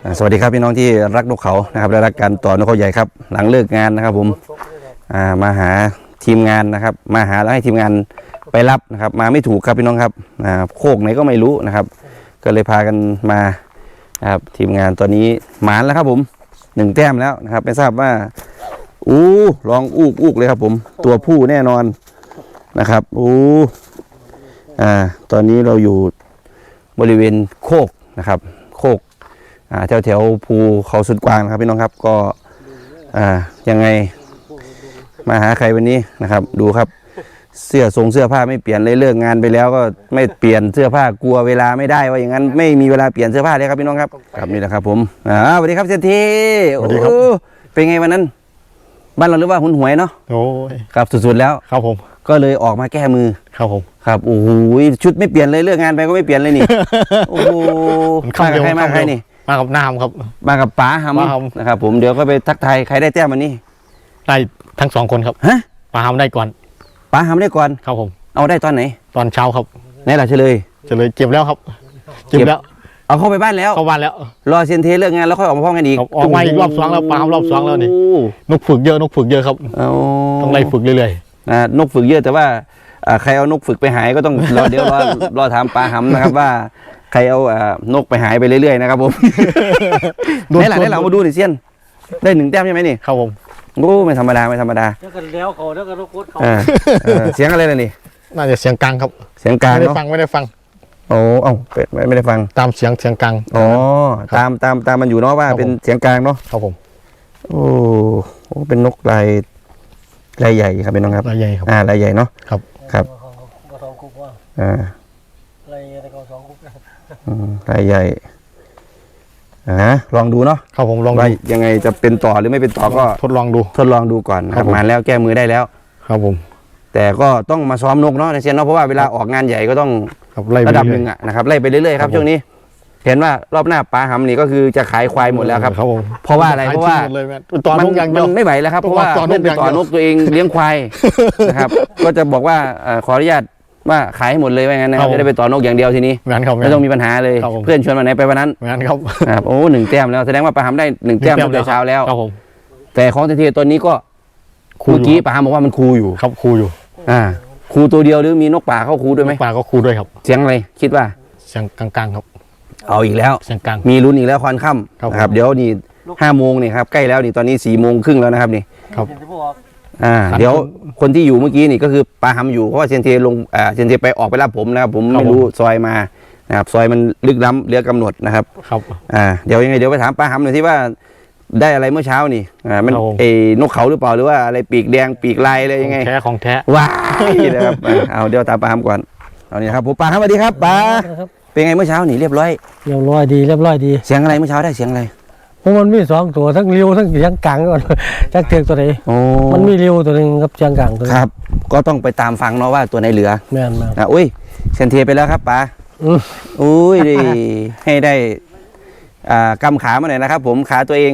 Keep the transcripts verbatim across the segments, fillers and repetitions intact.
สวัสดีครับพี่น้องที่รักนกเขานะครับและรักการต่อนกเขาใหญ่ครับหลังเลิกงานนะครับผมมาหาทีมงานนะครับมาหาแล้วให้ทีมงานไปรับนะครับมาไม่ถูกครับพี่น้องครับโคกไหนก็ไม่รู้นะครับก็เลยพากันมานะครับทีมงานตอนนี้หมานแล้วครับผมหนึ่งแต้มแล้วนะครับไม่ทราบว่าอู้ลองอูกอูกเลยครับผมตัวผู้แน่นอนนะครับอู้อ่าตอนนี้เราอยู่บริเวณโคกนะครับโคกแถวแถวภูเขาสุดกวางนะครับพี่น้องครับก็อ่ายังไงมาหาใครวันนี้นะครับดูครับเสื้อทรงเสื้อผ้าไม่เปลี่ยนเลยเลิกงานไปแล้วก็ไม่เปลี่ยนเสื้อผ้ากลัวเวลาไม่ได้ว่าอย่างนั้นไม่มีเวลาเปลี่ยนเสื้อผ้าเลยครับพี่น้องครับครับนี่แหละครับผมอ่าสวัสดีครับเศรษฐีสวัสดีครับเป็นไงวันนั้นบ้านเราหรือว่าหุนหวยเนาะโอ้ยครับสุดๆแล้วครับผมก็เลยออกมาแก้มือครับผมครับโอ้โหชุดไม่เปลี่ยนเลยเลิกงานไปก็ไม่เปลี่ยนเลยนี่โอ้โหมากับใครมาใครนี่มากับน้ำครับมากับป๋าหำนะครับผมเดี๋ยวก็ไปทักทายใครได้แต้มวันนี้ได้ทั้งสองคนครับฮะป๋าหำได้ก่อนป๋าหำได้ก่อนครับผมเอาได้ตอนไหนตอนเช้าครับไหนล่ะเฉลยเฉลยเก็บแล้วครับเก็บแล้วเอาเข้าไปบ้านแล้วเข้าบ้านแล้วรอเซียนเทเลิกงานแล้วค่อยออกมาพร้อมกันอีกออกมาอีกรอบสองแล้วป๋าหำรอบสองแล้วนี่นกฝึกเยอะนกฝึกเยอะครับต้องไล่ฝึกเรื่อยๆนะนกฝึกเยอะแต่ว่าใครเอานกฝึกไปหายก็ต้องรอเดี๋ยวรอรอถามป๋าหำนะครับว่าใครเอานกไปหายไปเรื่อยๆนะครับผมได้หลังได้หลังมาดูหน่อยเซียนได้หนึ่งแต้มใช่ไหมนี่ครับผมโอ้ไม่ธรรมดาไม่ธรรมดาแล้วกันแล้วเขาแล้วกันนกโคตรเขาเสียงอะไรล่ะนี่น่าจะเสียงกลางครับเสียงกลางไม่ได้ฟังไม่ได้ฟังโอ้เอ้าไม่ได้ฟังตามเสียงเสียงกลางอ๋อตามตามตามมันอยู่เนาะว่าเป็นเสียงกลางเนาะครับผมโอ้โหเป็นนกลายลายใหญ่ครับเป็นน้องครับลายใหญ่ครับอ่าลายใหญ่เนาะครับครับอ่าลายใหญ่แต่ก็สองกุ๊กลายใหญ่อ่าลองดูเนาะครับผมลองดูยังไงจะเป็นต่อหรือไม่เป็นต่อก็ทดลองดูทดลองดูก่อนครับมาแล้วแก้มือได้แล้วครับผมแต่ก็ต้องมาซ้อมนกเนาะในเซียนเนาะเพราะว่าเวลาออกงานใหญ่ก็ต้องระดับหนึ่งอะนะครับไล่ไปเรื่อยๆครับช่วงนี้เห็นว่ารอบหน้าป๋าหำนี่ก็คือจะขายควายหมดแล้วครับเพราะว่าอะไรเพราะว่ามันมันไม่ไหวแล้วครับเพราะว่าเพื่อนไปต่อนกตัวเองเลี้ยงควายนะครับก็จะบอกว่าขออนุญาตว่าขายให้หมดเลยว่างั้นนะครับจะได้ไปต่อนกอย่างเดียวทีนี้ไม่ต้องมีปัญหาเลยเพื่อนชวนมาไหนไปวันนั้นครับโอ้หนึ่งแต้มแล้วแสดงว่าป๋าหำได้หนึ่งแต้มตั้งแต่เช้าแล้วแต่ของเทตัวนี้ก็เมื่อกี้ป๋าหำบอกว่ามันคูอยู่ครับคูอยู่อ่าคูตัวเดียวหรือมีนกป่าเข้าคูด้วยไหมป่าก็คูด้วยครับเสียงอะไรคิดว่าเสียงกลางๆครับเอาอีกแล้วเสียงกลางมีลุ้นอีกแล้วควันค่ำนะครับเดี๋ยวนี่ห้าโมงนี่ครับใกล้แล้วนี่ตอนนี้สี่โมงครึ่งแล้วนะครับนี่ครับอ่าเดี๋ยวคนที่อยู่เมื่อกี้นี่ก็คือป๋าหำอยู่เพราะว่าเซนเทลงอ่าเซนเทไปออกไปรับผมนะครับผมไม่รู้ซอยมานะครับซอยมันลึกล้ำเหลือกำหนดนะครับครับอ่าเดี๋ยวยังไงเดี๋ยวไปถามป๋าหำหน่อยที่ว่าได้อะไรเมื่อเช้านี่อ่ามันเอนกเขาหรือเปล่าหรือว่าอะไรปีกแดงปีกลายอะไรยังไงแท้ของแท้ว้ายนะครับเอาเดี๋ยวตามป๋าหำก่อนเอานี่ครับผมป๋าหำสวัสดีครับป๋าเป็นไงเมื่อเช้านี่เรียบร้อยเรียบร้อยดีเรียบร้อยดีเสียงอะไรเมื่อเช้าได้เสียงอะไรเพราะมันมีสองตัวทั้งริ้วทั้งเสียงกลางก่อนจักเทียงตัวไหนมันมีริ้วตัวหนึ่งกับเสียงกลางตัวครับก็ต้องไปตามฟังเนาะว่าตัวไหนเหลือแม่นมานะอุ้ยเซนเทียไปแล้วครับป๋าอุ้ยให้ได้อ่ากำขามาหน่อยนะครับผมขาตัวเอง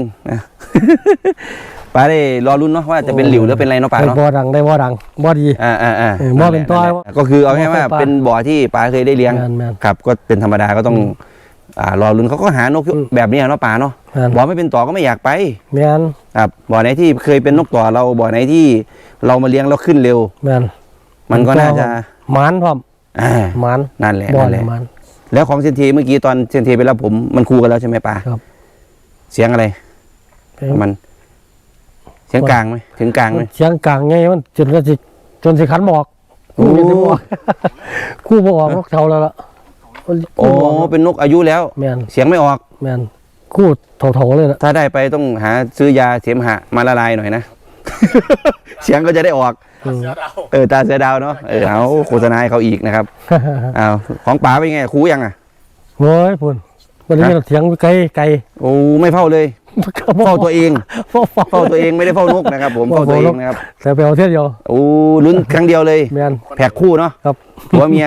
ป๋าได้รอรุ้นเนาะว่าจะเป็นหลิวหรือเป็นอะไรเนาะป๋าเนาะบ่อดังได้บ่อดังบ่อดีอ่าอ่าอ่าบ่อเป็นต้อยก็คือเอาง่ายว่าเป็นบ่อที่ป๋าเคยได้เลี้ยงครับก็เป็นธรรมดาก็ต้องอ่ารอรุ้นเขาก็หานกแบบนี้เนาะป๋าเนาะบ่อไม่เป็นต่อก็ไม่อยากไปแม่นครับบ่อไหนที่เคยเป็นนกต่อเราบ่อไหนที่เรามาเลี้ยงแล้วขึ้นเร็วแม่นมันก็น่าจะมันพร้อมอ่ามันนั่นแหละนั่นแหละแล้วของเซนเทเมื่อกี้ตอนเซนเทไปแล้วผมมันคูกันแล้วใช่ไหมป๋าครับเสียงอะไรมันเสียงกลางไหมถึงกลางไหมเสียงกลางไงมันจนก็จะจนสิขันบอกคู่จะบอกคู่บอกนกเท่าแล้วล่ะโอ้เป็นนกอายุแล้วเสียงไม่ออกแมนคู่เท่าๆเลยนะถ้าได้ไปต้องหาซื้อยาเสมหะมาละลายหน่อยนะเสียงก็จะได้ออกเออตาเสือดาวเนาะเออเอาโฆษณาให้เขาอีกนะครับเอาของป๋าเป็นไงคูยังอ่ะโอ้ยพุ่นวันนี้เราเถียงไกลไกลโอ้ไม่เฝ้าเลยเฝ้าตัวเองเฝ้าตัวเองไม่ได้เฝ้านกนะครับผมเฝ้าตัวเองนะครับแต่ไปเอาเที่ยวเดียวโอ้ลุ้นครั้งเดียวเลยแผกคู่เนาะครับผัวเมีย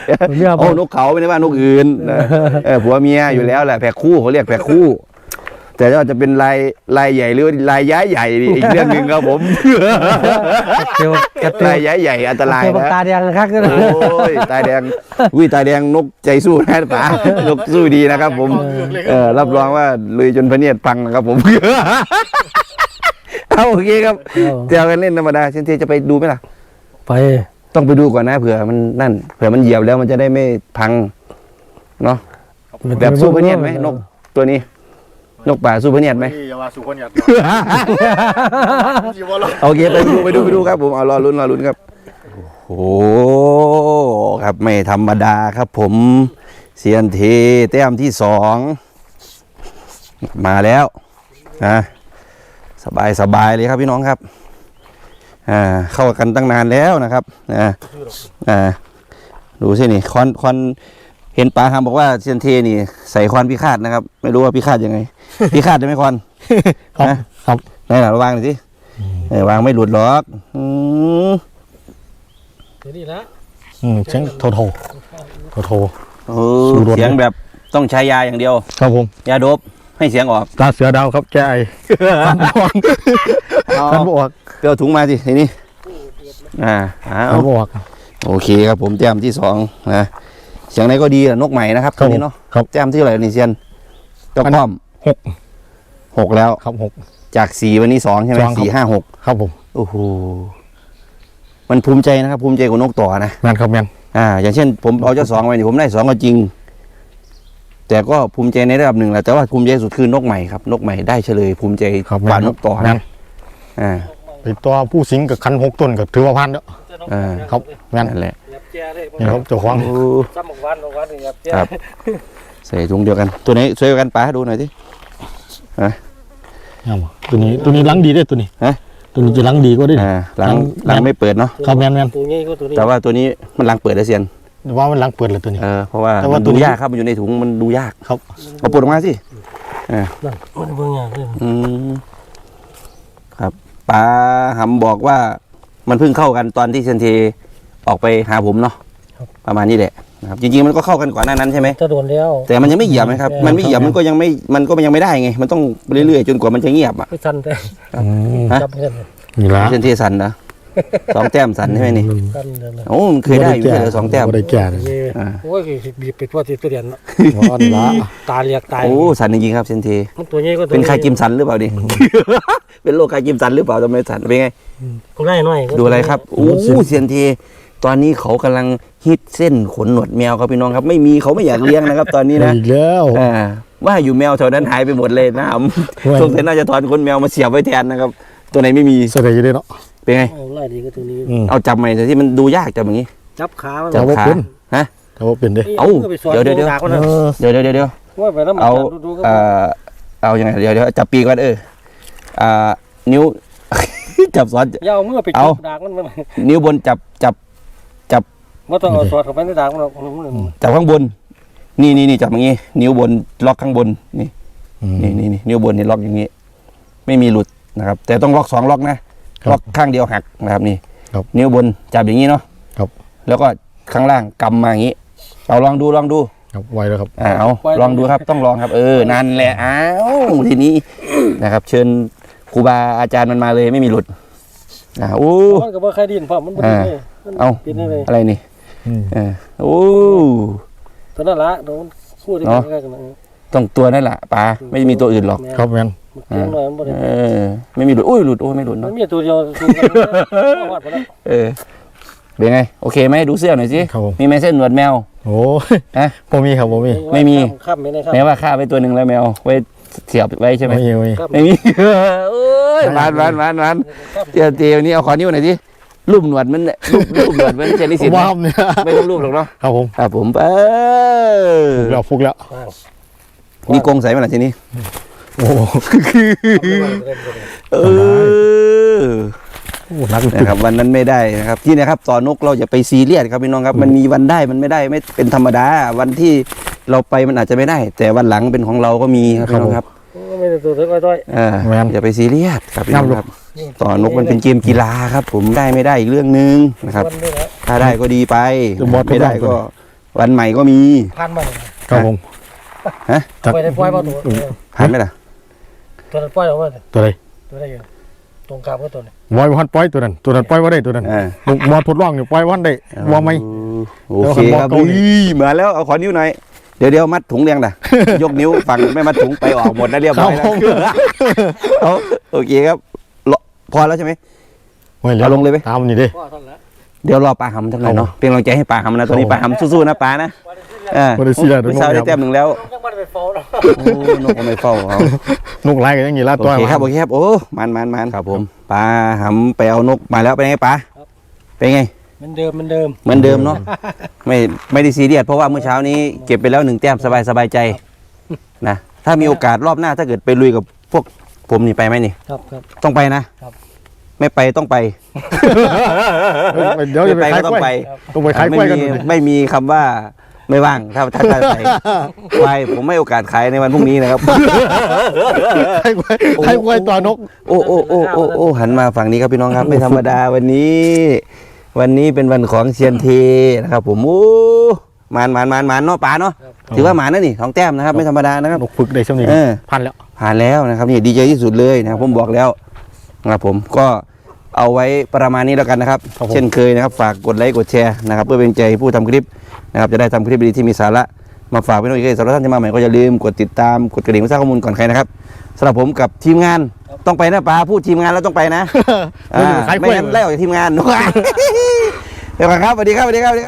โอ้นกเขาไม่ได้ว่านกอื่นเออผัวเมียอยู่แล้วแหละแผกคู่เขาเรียกแผกคู่แต่ว่าจะเป็นลายลายใหญ่หรือลายย้ายใหญ่อีกเรื่องหนึ่งครับผมเดี๋ยวกระตืลายย้ายใหญ่อันตรายเดี๋ยวนะตาแดงนะครับโอ้ยตาแดงอุ้ยตาแดงนกใจสู้นะป๋านกสู้ดีนะครับ ผมเออรับรองว่าลุยจนพะเนียดพังนะครับผม เอาโอเคครับเดี๋ยวกันเล่นธรรมดาเชนเทจะไปดูไหมล่ะไปต้องไปดูก่อนนะเผื่อมันนั่นเผื่อมันเหยียบแล้วมันจะได้ไม่พังเนาะแบบสู้พะเนียดไหมนกตัวนี้ นกป่าสู้พะเนียดไหมอย่าว่าสู้คนหยัดโอเคไปดูไปดูไปดูครับผมเอารอลุ้นรอลุ้นครับโอ้ครับไม่ธรรมดาครับ ผมเซียนเทแต้มที่สองมาแล้วนะสบายสบายเลยครับพี่น้องครับอ่าเข้ากันตั้งนานแล้วนะครับอ่าอ่าดูสินี่คอนคอนเห็นป๋าคำบอกว่าเซียนเทนี่ใส่คอนพิฆาตนะครับ ไม่รู้ว่าพิฆาตยังไง พิฆาตได้ไหมคอนครับครับไหนหล่ะวางหน่อยสิเออวางไม่หลุดหรอกอืมเดี๋ยวนี้ละอืมเสียงโทโทโทโทโอ้เสียงแบบต้องใช้ยาอย่างเดียวครับผมยาโดบให้เสียงออกตาเสือดาวครับแกไอคันบวกเอาคันบวกเปรี้ยวถุงมาสิทีนี้อ่าเอาคันบวกโอเคครับผมแต้มที่สองนะเสียงไหนก็ดีอะนกใหม่นะครับครัตัวบนี้เนาะครับแต้มที่เท่าไหร่นี่เซียนเจ้าอันป้อมหกหกแล้วครับหกจากสี่วันนี้สองใช่ไหมสองครับสี่ห้าหกครับผมโอ้โหมันภูมิใจนะครับ ภูมิใจกว่านกต่อนะแมนครับแมนอ่า อย่างเช่น ผมเอาเจ้าสองไปนี่ผมได้สองก็จริง แต่ก็ภูมิใจในระดับหนึ่งแหละแต่ว่าภูมิใจสุดคือนกใหม่ครับนกใหม่ได้เฉลย ภูมิใจครับกว่านกต่อแมนะนอ่าไอตัวผู้สิงกับคันหกต้นกับถือว่าพันแล้วอ่าครับแมนนั่นแหละยับแจ้เลยนี่ครับเจ้าของโอ้ซ้ำหมกวันหมกวันยับแจ้ครับ ใส่ถุงเดียวกัน ตัวไหนช่วยกันป๋าดูหน่อยสิเอามาตัวนี้ตัวนี้ล้างดีได้ตัวนี้ฮะตัวนี้จะล้างดีก็ได้อ่าหลังหลังไม่เปิดเนาะครับแมนแมนตัวนี้ก็ตัวนี้แต่ว่าตัวนี้มันหลังเปิดได้เซียนแต่ว่ามันล้างเปิดเลยตัวนี้เออเพราะว่าแต่ว่ามันตัวดูนี้ยากครับมันอยู่ในถุงมันดูยากครับเอาปลดออกมาสินั่นมันเบิ่งอย่างนี้อืมครับป๋าหำบอกว่ามันเพิ่งเข้ากันตอนที่เซยนเทออกไปหาผมเนาะประมาณนี้แหละนะครับจริงๆมันก็เข้ากันก่อนหน้านั้นใช่ไหมจะโดนแล้วแต่มันยังไม่เหยียบนะครับ มันไม่เหยียบมันก็ยังไม่มันก็ยังไม่ได้ไง มันต้องเรื่อยๆจนกว่ามันจะเงียบอ่ะไม่ทันแต่อืมฮะจับเงินนี่ละเซยนเทสันนะสองแต้มสันใช่ไหมนี่กันเดินเลยโอ้มันเคยได้อยู่ไม่ใช่เหรอสองแต้มบ่ได้แก่เลยอ่าโอ้ยบีบไปทั่วที่ตัวเดียนว่าอันละตาเรียกตายโอ้สันจริงๆครับเซยนเทมันตัวนี้ก็ตัวเป็นใครกิมสันหรือเปล่าดิ เป็นโรคใครกิมสันหรือเปล่าทำไมสันเป็นไงกูได้หน่อยดูอะไรครับโอ้เซียนเทตอนนี้เขากำลังฮิตเส้นขนหนวดแมวครับพี่น้องครับ ไม่มีเขาไม่อยากเลี้ยงนะครับ ตอนนี้นะอีกแล้วอ่าว่าอยู่แมวแถวนั้นหายไปหมดเลยนะผมว่าสงสัยน่าจะถอนขนแมวมาเสียบไว้แทนนะครับ ตัวไหนไม่มีแสดงอยู่ได้เนาะเป็นไงไล่ดีก็ตัวนี้อืมเอาจับใหม่แต่ที่มันดูยากจับอย่างนี้จับขามันจับเอาขาเป็นฮะแต่ว่าเป็นเด้เอ้าเดี๋ยวเดี๋ยวเดี๋ยวเออเดี๋ยวเดี๋ยวเดี๋ยวเดี๋ยวว่าไปแล้วมันเอาดูๆก็เอ่อเอายังไงเดี๋ยวเดี๋ยวจับปีกก่อนเอออ่านิ้ว จับซ้อนยาวเมื่อไปเอาจุดดากมันมันนิ้วบนจับจับว่าต้องเอาสอดเข้าไปในดากมันหรอกมันมันจับข้างบน นี่นี่นี่จับอย่างงี้ นิ้วบนล็อกข้างบนนี่อืมนี่นี่นี่นิ้วบนนี่ล็อกอย่างงี้ ไม่มีหลุดนะครับ แต่ต้องล็อกสองล็อกนะครับ ล็อกข้างเดียวหักนะครับนี่ครับนิ้วบนจับอย่างงี้เนาะครับแล้วก็ข้างล่างกำมาอย่างงี้เอาลองดูลองดูครับไวแล้วครับอ่าเอาลองดูครับต้องลองครับ เออนั่นแหละอ้าวทีนี้นะครับ เชิญครูบาอาจารย์มันมาเลยไม่มีหลุดอ่าโอ้มันก็บ่ใครดินเพราะมันบ่อ่าดีเลยมันเอาปิดได้เลยอะไรนี่อืมเออโอ้ตัวนั้นละโดนพูดได้เนาะใกล้ๆกันนะต้องตัวนั่นแหละปลาไม่มีตัวอื่นหรอกครับแมนเก่งหน่อยมันบ่ได้เออไม่มีหลุดอุ้ยหลุดโอ้ยไม่หลุดมัเนาะนมีตัวเดียวสู้กันวาดไปแล้วเออเป็นไงโอเคไหมดูเสื้อหน่อยสิครับผมมีไหมเส้นหนวดแมวโอ้ยฮะผมมีครับผมมีไม่มีข้ามไม่ได้ครับแม้ว่าฆ่าไปตัวหนึ่งแล้วแมวไว้เสียบไว้ใช่ไหมไม่มีไม่มีครับไม่มี โอ้ยหวานหวานหวานหวานเจียวเจียวนี่เอาขอนิ้วหน่อยสิรูปหนวดมันเนี่ยรูปรูปหนวดมันเจนิสิตว้าวเนี่ยไม่ต้องรูปหรอกเนาะครับผมครับผมเออเราฟุกแล้วมีกรงใส่ไหมล่ะทีนี้โอ้โหเออนักนะครับวันนั้นไม่ได้นะครับที่นะครับต่อนกเราอย่าไปซีเรียสครับพี่น้องครับมันมีวันได้มันไม่ได้ไม่เป็นธรรมดาวันที่เราไปมันอาจจะไม่ได้ แต่วันหลังเป็นของเราก็มีครับพี่น้องครับไม่ได้ตัวเท่าต้อยเอออย่าไปซีเรียสครับพี่น้องครับต่อนกมันเป็นเกมกีฬาครับ ผมได้ไม่ได้อีกเรื่องหนึ่งนะครับมันด้วยนะถ้าได้ก็ดีไปไม่ได้ก็ วันใหม่ก็มีผ่านมาครับผมฮะไปได้ปล่อยมาตัวหันไหมล่ะตัวนั้นปล่อยออกมาตัวใดตัวได้อยู่ตรงกลางก็ตัวนี้วอยวันปล่อยตัวนั้นตัวนั้นปล่อยว่าได้ตัวนั้นอ่าลูกมอทดลองอยู่ปล่อยวันได้ว่าไหมโอเคครับเดี๋ยวผมบอกเกาหลีอุ้ยมาแล้วเอาขอนิ้วหน่อยเดี๋ยวเดี๋ยวมัดถุงเรียงนะ ยกนิ้วฝั่งไม่มัดถุงไปออกหมดนะเรียบร้อยแล้วเอาโอเคครับรอพอแล้วใช่ไหม เอาลงเลยไหมตามนี่ดิพ่อท่านละเดี๋ยวรอปลาหำจังหน่อยเนาะเป็นกำลังใจให้ปลาหำนะตอนนี้ปลาหำสู้ๆนะปลานะเออบ่ได้เสียดอกเมื่อเช้าได้แต้มหนึ่งแล้วยังไม่ได้ไปฟ้องหรอกโอ้นกก็ไม่เฝ้าเขานกไล่กันอย่างนี้ละโอตัวเคครับโอเคครับโอ้มันมันมันครับผมปลาหำไปเอานกมาแล้วเป็นไงปลาเป็นไงเหมือนเดิมเหมือนเดิมเหมือนเดิมเนาะไม่ไม่ได้ซีเรียสเพราะว่าเมื่อเช้านี้เก็บไปแล้วหนึ่งแต้มสบายสบายใจนะถ้ามีโอกาสรอบหน้าถ้าเกิดไปลุยกับพวกผมนี่ไปไหมนี่ครับครับต้องไปนะครับ ไม่ไปต้องไปเดี๋ยวจะไปไม่ขายก็ต้กอล้วยงไปต้องไปขายไม่กล้วยกันมีดูดิไม่มีคำว่าไม่ว่างถ้าถ้าถ้าไปไปผมไม่โอกาสขายในวันพรุ่งนี้นะครับขายกล้วยขายกล้วยตัวนกโอ้โอ้โอ้โอ้โอ้หันมาฝั่งนี้ครับพี่น้องครับ ไม่ธรรมดาวันนี้ วันนี้เป็นวันของเซียนเทนะครับ ผมโอ้มานมานมานมานเนาะป๋าเนาะถือว่าหมานนะนี่ของแต้มนะครับ ไม่ธรรมดานะครับนกฝึกได้ช่วงนี้เออพันแล้วผ่านแล้วนะครับนี่ดีใจที่สุดเลยนะครับผมบอกแล้วนะครับผมก็เอาไว้ประมาณนี้แล้วกันนะครับ เช่นเคยนะครับ ฝากกดไลค์กดแชร์นะครับเพื่อเป็นใจผู้ทำคลิปนะครับจะได้ทำคลิปดีๆที่มีสาระมาฝากพี่น้องอีกสำหรับท่านที่มาใหม่ก็อย่าลืมกดติดตามกดกระดิ่งเพื่อทราบข้อมูลก่อนใครนะครับสำหรับผมกับทีมงานต้องไปนะป้าพูดทีมงานแล้วต้องไปนะไม่ได้ไปขายกล้ไม่วยงั้นไล่ออกจากทีมงาน เดี๋ยวก่อนครับสวัสดีครับสวัสดีครับ